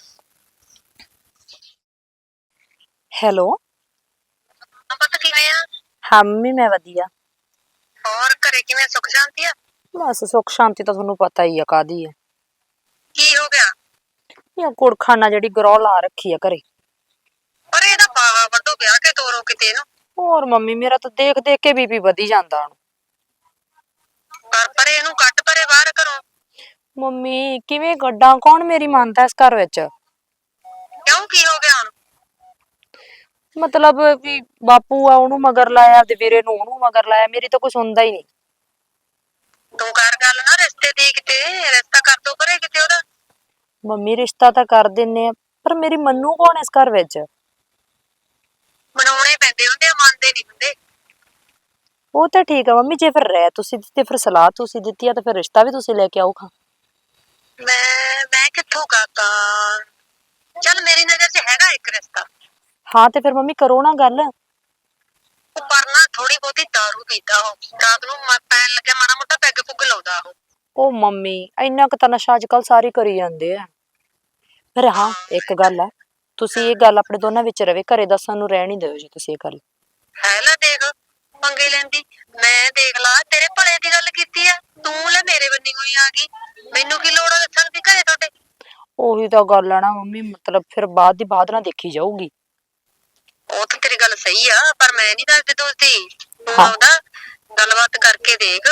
Speaker 1: ਹੈਲੋ।
Speaker 6: ਪਤਾ ਕਿਵੇਂ ਆ?
Speaker 1: ਹਾਂ ਮੰਮੀ ਮੈਂ ਵਧੀਆ।
Speaker 6: ਹੋਰ ਘਰੇ ਕਿਵੇਂ ਸੁੱਖ ਸ਼ਾਂਤੀ ਆ?
Speaker 1: ਬਸ ਸੁੱਖ ਸ਼ਾਂਤੀ ਤਾਂ ਤੁਹਾਨੂੰ ਪਤਾ ਹੀ ਆ ਕਾਦੀ ਹੈ।
Speaker 6: ਕੀ ਹੋ ਗਿਆ?
Speaker 1: ਇਹ ਕੁੜਖਾਨਾ ਜਿਹੜੀ ਗਰੋਹ ਲਾ ਰੱਖੀ ਆ ਘਰੇ।
Speaker 6: ਪਰ ਇਹਦਾ ਬਾਵਾ ਵੱਡੋ ਵਿਆਹ ਕੇ ਤੋਰੋ ਕਿਤੇ ਇਹਨੂੰ।
Speaker 1: ਹੋਰ ਮੰਮੀ ਮੇਰਾ ਤਾਂ ਦੇਖ ਦੇਖ ਕੇ ਬੀਪੀ ਵਧੀ ਜਾਂਦਾ ਹੁਣ।
Speaker 6: ਪਰ ਪਰੇ ਇਹਨੂੰ ਕੱਢ ਪਰੇ ਬਾਹਰ ਘਰੋਂ।
Speaker 1: ਮੰਮੀ ਕਿਵੇਂ ਕੱਢਾਂ, ਕੌਣ ਮੇਰੀ ਮੰਨਦਾ ਇਸ ਘਰ ਵਿੱਚ?
Speaker 6: ਕਿਉਂ ਕੀ ਹੋ ਗਿਆ ਹੁਣ?
Speaker 1: ਮਤਲਬ ਵੀ ਬਾਪੂ ਆ ਉਹਨੂੰ ਮਗਰ ਲਾਇਆ ਤੇ ਵੀਰੇ ਨੂੰ ਉਹਨੂੰ ਮਗਰ ਲਾਇਆ, ਮੇਰੀ ਤਾਂ ਕੋਈ ਸੁਣਦਾ ਹੀ ਨਹੀਂ।
Speaker 6: ਤੂੰ ਕਰ ਗੱਲ ਨਾ ਰਿਸ਼ਤੇ ਦੀ, ਕਿਤੇ ਰਿਸ਼ਤਾ ਕਰ ਦੋ ਪਰੇ ਕਿਤੇ ਉਹਦਾ।
Speaker 1: ਮੰਮੀ ਰਿਸ਼ਤਾ ਤਾਂ ਕਰ ਦਿੰਨੇ ਆ, ਪਰ ਮੇਰੀ ਮੰਨੂ ਕੌਣ ਇਸ ਘਰ ਵਿੱਚ?
Speaker 6: ਮਨਾਉਣੇ ਪੈਂਦੇ ਹੁੰਦੇ ਆ, ਮੰਨਦੇ ਨਹੀਂ ਹੁੰਦੇ।
Speaker 1: ਉਹ ਤਾਂ ਠੀਕ ਆ ਮੰਮੀ, ਜੇ ਫਿਰ ਰਹਿ ਤੁਸੀਂ ਦਿੱਤੀ, ਫਿਰ ਸਲਾਹ ਤੁਸੀਂ ਦਿੱਤੀ ਆ, ਤਾਂ ਫਿਰ ਰਿਸ਼ਤਾ ਵੀ ਤੁਸੀਂ ਲੈ ਕੇ ਆਓ ਖਾਂ।
Speaker 6: ਮੈਂ ਮੈਂ ਕਿੱਥੋਂ ਕਰਦਾ? ਚੱਲ ਮੇਰੀ ਨਜ਼ਰ 'ਚ ਹੈਗਾ ਇੱਕ ਰਿਸ਼ਤਾ।
Speaker 1: ਹਾਂ ਤੇ ਫਿਰ ਮੰਮੀ ਕਰੋ ਨਾ ਗੱਲ।
Speaker 6: ਉਹ ਪਰ ਨਾ ਥੋੜੀ ਬਹੁਤੀ ਦਾਰੂ ਪੀਂਦਾ ਉਹ, ਰਾਤ ਨੂੰ ਮ- ਪੈਣ ਲੱਗਿਆ ਮਾੜਾ ਮੋਟਾ ਪੈਗ ਪੁੱਗ ਲਾਉਂਦਾ ਉਹ।
Speaker 1: ਉਹ ਮੰਮੀ ਇੰਨਾ ਕੁ ਤਾਂ ਨਸ਼ਾ ਅੱਜ ਕੱਲ ਸਾਰੇ ਕਰੀ ਜਾਂਦੇ ਆ। ਪਰ ਹਾਂ ਇੱਕ ਗੱਲ ਆ, ਤੁਸੀਂ ਇਹ ਗੱਲ ਆਪਣੇ ਦੋਨਾਂ ਵਿੱਚ ਰਵੇ, ਘਰੇ ਦੱਸਣ ਨੂੰ ਰਹਿਣ ਹੀ ਦਿਓ ਜੀ ਤੁਸੀਂ ਇਹ ਗੱਲ।
Speaker 6: ਹੈ ਲੈ ਦੇਖ ਪੰਗੇ ਲੈਂਦੀ, ਮੈਂ ਦੇਖ ਲਾ ਤੇਰੇ ਭਲੇ ਦੀ ਗੱਲ ਕੀਤੀ ਆ, ਤੂੰ ਲੈ ਮੇਰੇ ਬੰਨੀ ਹੋਈ ਆ ਗਈ। ਮੈਨੂੰ ਕੀ ਲੋੜ ਆ ਦੱਸਣ ਦੀ ਘਰੇ ਤੁਹਾਡੇ?
Speaker 1: ਉਹੀ ਤਾਂ ਗੱਲ ਆ ਨਾ ਮੰਮੀ, ਮਤਲਬ ਫਿਰ ਬਾਅਦ ਦੀ ਬਾਅਦ ਨਾ ਦੇਖੀ ਜਾਊਗੀ।
Speaker 6: ਉਹ ਤਾਂ ਤੇਰੀ ਗੱਲ ਸਹੀ ਆ, ਪਰ ਮੈਂ ਨਹੀਂ ਦੱਸਦੀ ਦੋਸਤੀ। ਤੂੰ
Speaker 1: ਹਾਂ।
Speaker 6: ਆਉਂਦਾ ਗੱਲਬਾਤ ਕਰਕੇ ਦੇਖ।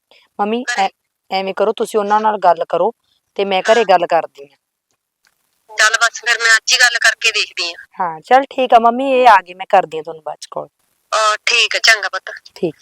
Speaker 1: ਮੰਮੀ ਐ- ਐਵੇਂ ਕਰੋ, ਤੁਸੀਂ ਉਹਨਾਂ ਨਾਲ ਗੱਲ ਕਰੋ ਤੇ ਮੈਂ ਘਰੇ ਗੱਲ ਕਰਦੀ ਆ।
Speaker 6: ਚੱਲ ਬਸ ਫਿਰ ਮੈਂ ਅੱਜ ਹੀ ਗੱਲ ਕਰਕੇ ਦੇਖਦੀ ਆ।
Speaker 1: ਹਾਂ ਚੱਲ ਠੀਕ ਆ ਮੰਮੀ, ਇਹ ਆ ਗਈ, ਮੈਂ ਕਰਦੀ ਆ ਤੁਹਾਨੂੰ ਬਾਅਦ ਚ ਕਾਲ।
Speaker 6: ਆ ਠੀਕ ਆ, ਚੰਗਾ ਪੁੱਤ।
Speaker 1: ਠੀਕ।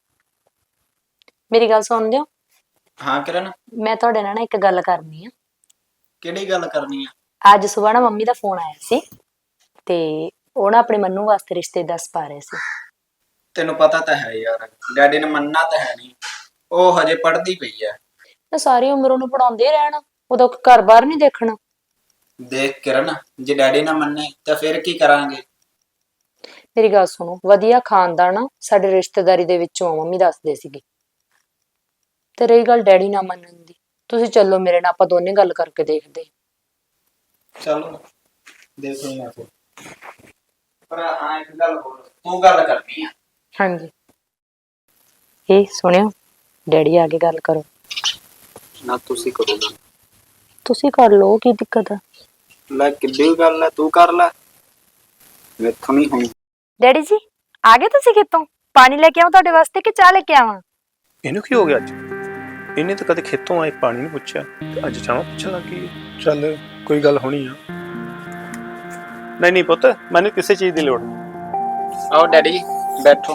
Speaker 1: ਮੇਰੀ ਗੱਲ ਸੁਣ ਲਿਓ,
Speaker 4: ਹਾਂ ਕਿਰਨ,
Speaker 1: ਮੈਂ ਤੁਹਾਡੇ ਨਾਲ ਨਾ ਇੱਕ ਗੱਲ ਕਰਨੀ ਆ।
Speaker 4: ਕਿਹੜੀ ਗੱਲ ਕਰਨੀ ਆ?
Speaker 1: ਅੱਜ ਸਵੇਰ ਨਾ ਮੰਮੀ ਦਾ ਫੋਨ ਆਇਆ ਸੀ ਤੇ ਉਹ ਨਾ ਆਪਣੇ ਮੰਨੂ ਵਾਸਤੇ ਰਿਸ਼ਤੇ ਦੱਸ ਪਾ ਰਹੇ ਸੀ।
Speaker 4: ਤੈਨੂੰ ਪਤਾ ਤਾਂ ਹੈ ਯਾਰ, ਡੈਡੀ ਨੇ ਮੰਨਣਾ ਤਾਂ ਹੈ ਨਹੀਂ, ਉਹ ਹਜੇ ਪੜ੍ਹਦੀ ਪਈ ਐ।
Speaker 1: ਤਾਂ ਸਾਰੀ ਉਮਰ ਉਹਨੂੰ ਪੜਾਉਂਦੇ ਹੀ ਰਹਿਣਾ, ਉਹਦਾ ਘਰ ਬਾਹਰ ਨਹੀਂ ਦੇਖਣਾ।
Speaker 4: ਦੇਖ ਕਿਰਨ, ਜੇ ਡੈਡੀ ਨਾ ਮੰਨੇ ਤਾਂ ਫਿਰ ਕੀ ਕਰਾਂਗੇ?
Speaker 1: ਮੇਰੀ ਗੱਲ ਸੁਣੋ, ਵਧੀਆ ਖਾਨਦਾਨ ਆ ਸਾਡੇ ਰਿਸ਼ਤੇਦਾਰੀ ਦੇ ਵਿੱਚੋਂ ਆ, ਮੰਮੀ ਦੱਸਦੇ ਸੀਗੇ। ਤੇ ਰਹੀ ਗੱਲ ਡੈਡੀ ਨਾ ਮੰਨਣ ਦੀ, ਤੁਸੀਂ ਚੱਲੋ ਮੇਰੇ ਨਾਲ, ਆਪਾਂ ਦੋਨੇ ਗੱਲ ਕਰਕੇ ਦੇਖਦੇ ਹਾਂ।
Speaker 4: ਚਲੋ ਦੇਖ ਲਈ ਮੈਂ ਫਿਰ। ਪਰ ਹਾਂ ਇੱਕ ਗੱਲ ਹੋਰ, ਤੂੰ ਗੱਲ ਕਰਨੀ ਆ।
Speaker 1: ਹਾਂਜੀ। ਇਹ ਸੁਣਿਓ, ਡੈਡੀ ਆ ਕੇ ਗੱਲ ਕਰੋ।
Speaker 4: ਨਾ ਤੁਸੀਂ ਕਰੋ ਨਾ।
Speaker 1: ਤੁਸੀਂ ਕਰ ਲਓ, ਕੀ ਦਿੱਕਤ ਆ?
Speaker 4: ਲੈ ਕਿੱਡੀ ਗੱਲ ਐ, ਤੂੰ ਕਰ ਲੈ, ਮੈਥੋਂ ਨਹੀਂ ਹੋਣੀ।
Speaker 1: ਡੈਡੀ ਜੀ ਆ ਗਏ ਤੁਸੀਂ ਖੇਤੋਂ? ਪਾਣੀ ਲੈ ਕੇ ਆਵਾਂ ਤੁਹਾਡੇ ਵਾਸਤੇ ਕਿ ਚਾਹ ਲੈ ਕੇ ਆਵਾਂ?
Speaker 3: ਇਹਨੂੰ ਕੀ ਹੋ ਗਿਆ ਅੱਜ? ਇਹਨੇ ਤਾਂ ਕਦੇ ਖੇਤੋਂ ਆਏ ਪਾਣੀ ਨਹੀਂ ਪੁੱਛਿਆ, ਤੇ ਅੱਜ ਚਾਹ ਪੁੱਛਣ ਲੱਗੀ। ਚੱਲ ਕੋਈ ਗੱਲ ਹੋਣੀ ਆ। ਨਹੀਂ ਨਹੀਂ ਪੁੱਤ, ਮੈਨੂੰ ਕਿਸੇ ਚੀਜ਼ ਦੀ ਲੋੜ ਨਹੀਂ।
Speaker 4: ਆਓ ਡੈਡੀ ਜੀ ਬੈਠੋ।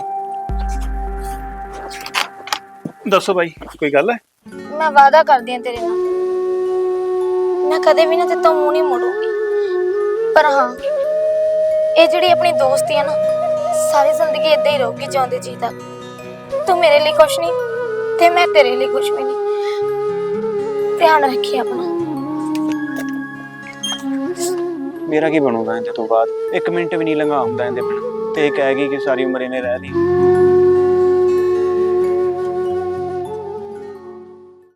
Speaker 3: ਦੱਸੋ ਬਾਈ, ਕੋਈ ਗੱਲ ਹੈ?
Speaker 2: ਮੈਂ ਵਾਅਦਾ ਕਰਦੀ ਹਾਂ ਤੇਰੇ ਨਾਲ, ਮੈਂ ਕਦੇ ਵੀ ਨਾ ਤੇਰੇ ਤੋਂ ਮੂੰਹ ਨਹੀਂ ਮੋੜੂੰਗੀ। ਪਰ ਹਾਂ, ਇਹ ਜਿਹੜੀ ਆਪਣੀ ਦੋਸਤੀ ਹੈ ਨਾ, ਸਾਰੀ ਜ਼ਿੰਦਗੀ ਏਦਾਂ ਹੀ ਰਹੂਗੀ ਜਿਉਂਦੇ ਜੀ ਤੱਕ। ਤੂੰ ਮੇਰੇ ਲਈ ਕੁਛ ਨਹੀਂ ਤੇ ਮੈਂ ਤੇਰੇ ਲਈ ਕੁਛ ਵੀ ਨਹੀਂ। ਧਿਆਨ ਰੱਖੀ ਆਪਣਾ।
Speaker 5: ਮੇਰਾ ਕੀ ਬਣੂਗਾ ਇਹਦੇ ਤੋਂ ਬਾਅਦ? ਇੱਕ ਮਿੰਟ ਵੀ ਨਹੀਂ ਲੰਘਾ ਹੁੰਦਾ ਇਹਦੇ ਬਿਨਾਂ, ਤੇ ਇਹ ਕਹਿ ਗਈ ਕਿ ਸਾਰੀ ਉਮਰ ਇਹਨੇ ਰਹਿ ਲਈ।